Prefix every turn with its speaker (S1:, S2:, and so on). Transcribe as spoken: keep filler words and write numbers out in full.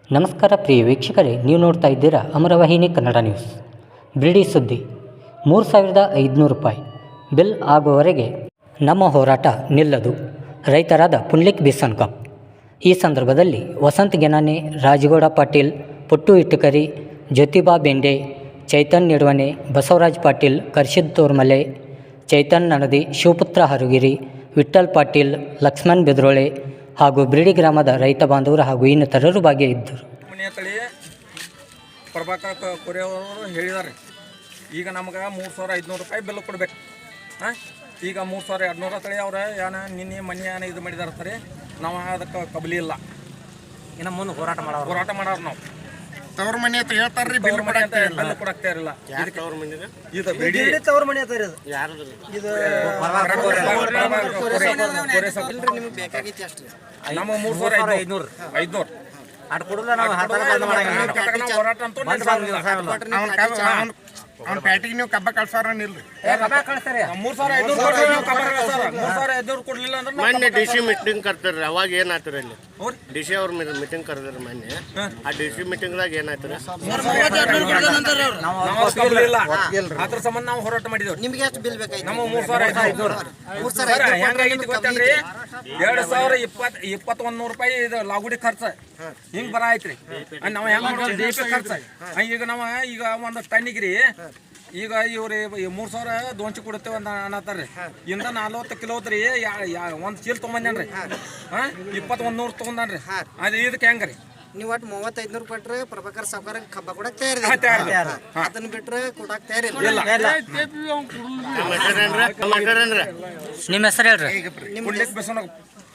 S1: ನಮಸ್ಕಾರ ಪ್ರಿಯ ವೀಕ್ಷಕರೇ, ನೀವು ನೋಡ್ತಾ ಇದ್ದೀರಾ ಅಮರವಾಹಿನಿ ಕನ್ನಡ ನ್ಯೂಸ್. ಬಿಡಿ ಸುದ್ದಿ: ಮೂರು ಸಾವಿರದ ಐದುನೂರು ರೂಪಾಯಿ ಬಿಲ್ ಆಗುವವರೆಗೆ ನಮ್ಮ ಹೋರಾಟ ನಿಲ್ಲದು. ರೈತರಾದ ಪುಂಡ್ಲಿಕ್ ಬಿಸನ್ಕಪ್. ಈ ಸಂದರ್ಭದಲ್ಲಿ ವಸಂತ್ ಗೆನಾನೆ, ರಾಜಗೌಡ ಪಾಟೀಲ್, ಪುಟ್ಟು ಇಟ್ಟಕರಿ, ಜ್ಯೋತಿಬಾ ಬೆಂಡೆ, ಚೈತನ್ ನಿಡ್ವನೆ, ಬಸವರಾಜ್ ಪಾಟೀಲ್, ಕರ್ಷಿದ್ ತೋರ್ಮಲೆ, ಚೈತನ್ ನಣದಿ, ಶಿವಪುತ್ರ ಹರುಗಿರಿ, ವಿಠ್ಠಲ್ ಪಾಟೀಲ್, ಲಕ್ಷ್ಮಣ್ ಬೆದ್ರೋಳೆ ಹಾಗೂ ಬಿಡಿ ಗ್ರಾಮದ ರೈತ ಬಾಂಧವರು ಹಾಗೂ ಇನ್ನಿತರರು ಭಾಗಿಯಾಗಿದ್ದರು.
S2: ಮನೆಯ ತಳಿ ಪ್ರಭಾಕರ್ ಕೊರೆ ಅವರು ಹೇಳಿದ್ದಾರೆ, ಈಗ ನಮ್ಗೆ ಮೂರು ಸಾವಿರ ಐದುನೂರು ರೂಪಾಯಿ ಬಿಲ್ ಕೊಡ್ಬೇಕು. ಹಾಂ, ಈಗ ಮೂರು ಸಾವಿರ ಎರಡುನೂರ ತಳಿ ಅವ್ರ ಏನ ನಿನ್ನೆ ಮನೆ ಏನ ಇದು ಮಾಡಿದಾರೆ ಸರಿ, ನಾವು ಅದಕ್ಕೆ ಕಬಲಿ ಇಲ್ಲ.
S3: ಇನ್ನು ಮುಂದೆ ಹೋರಾಟ ಮಾಡೋ
S2: ಹೋರಾಟ ಮಾಡೋರು ನಾವು.
S4: ತವ್ರ ಮನೆ ಅಂತ ಹೇಳ್ತಾರ್ರಿ, ಬಿಲ್
S2: ಕೊಡಾಕ್ತಾ ಬಿಲ್ ಕೊಡಾಕ್ತಾ ಇರಲಿಲ್ಲ. ಇದು ಬಿಡಿ
S3: ತವ್ರ ಮನೆ ಅಂತ ಇರೋದು
S4: ಇದು
S2: ನಮ್ಮ ಮೂರು ಸಾವಿರ ಐದುನೂರು ಐದುನೂರು
S3: ಅಟ್ ಕೊಡಲ್ಲ. ನಾವು
S2: ಹೋರಾಟ ಅಂತೂ
S4: ಅವ್ನ ಪ್ಯಾಟಿಗೆ ನೀವು ಕಬ್ಬ ಕಳ್ಸಾರ ನಿಲ್ರಿ.
S2: ಮೂರು ಸಾವಿರ ಐದುನೂರು ಮೂರು ಸಾವಿರ ಐದುನೂರು ಕೊಡ್ಲಿಲ್ಲ ಅಂದ್ರೆ
S5: ಮೊನ್ನೆ ಡಿ ಸಿ ಮೀಟಿಂಗ್ ಕರ್ತಾರ್ರಿ, ಅವಾಗ ಏನಾಯ್ತು ಅಲ್ಲಿ ಡಿ ಸಿ ಅವ್ರ ಮೀಟಿಂಗ್ ಕರೆದ್ರಿ ಮೊನ್ನೆ. ಆ ಡಿ ಸಿ ಮೀಟಿಂಗ್ದಾಗ ಏನಾಯ್ತು
S2: ಅದ್ರ ಸಂಬಂಧ ನಾವು ಹೋರಾಟ ಮಾಡಿದೇವ್.
S3: ನಿಮ್ಗೆ ಎಷ್ಟು ಬಿಲ್ ಬೇಕಾಯ್ತು?
S2: ನಮ್ಮ ಮೂರ್ ಸಾವಿರ ಐದುನೂರು ಹೆಂಗಾಗಿತ್ತು ಗೊತ್ತೇನ್ರಿ, ಎರಡ್ ಸಾವಿರ ಇಪ್ಪತ್ ಇಪ್ಪತ್ತೊಂದು ನೂರು ರೂಪಾಯಿ ಇದು ಲಾಗುಡಿ ಖರ್ಚ ಹಿಂಗ್ ಬರ ಐತ್ರಿ. ನಾವ್ ಹೆಂಗ್ ಮಾಡೋದು ಡಿ ಪಿ ಖರ್ಚ. ಈಗ ನಾವ ಈಗ ಒಂದು ಟನ್ನಿಗ್ರಿ ಈಗ ಇವ್ರಿ ಮೂರ್ ಸಾವಿರ ದೋನ್ಸಿ ಕೊಡುತ್ತೇವೆ ಅಂತ ಅನ್ನತ್ತಾರ್ರಿ. ಇಂದ ನಲ್ವತ್ತು ಕಿಲೋ ಐತ್ರಿ, ಒಂದ್ ಚೀಲ ತೊಗೊಂಬಂದೇನ್ರಿ. ಹಾ, ಇಪ್ಪತ್ತೊಂದ್ ನೂರು ತೊಗೊಂಡನ್ರಿ. ಅದ್ ಇದಕ್ಕೆ ಹೆಂಗ್ರಿ
S3: ನೀವು ಒಟ್ಟು ಮೂವತ್ತೈದು ಕೊಟ್ರೆ ಪ್ರಭಾಕರ್ ಸಾವುಕಾರ ಕಬ್ಬ ಕೊಡಕ್ ತಯಾರಿ, ಅದನ್ನ ಬಿಟ್ರೆ ಕೊಡಕ್ ತಯಾರಿ.
S1: ನಿಮ್ಮ ಹೆಸರು ಹೇಳ್ರಿ.
S2: ಪುಂಡ್ಲಿಕ್ ಬಿಸನ್ಕಪ್.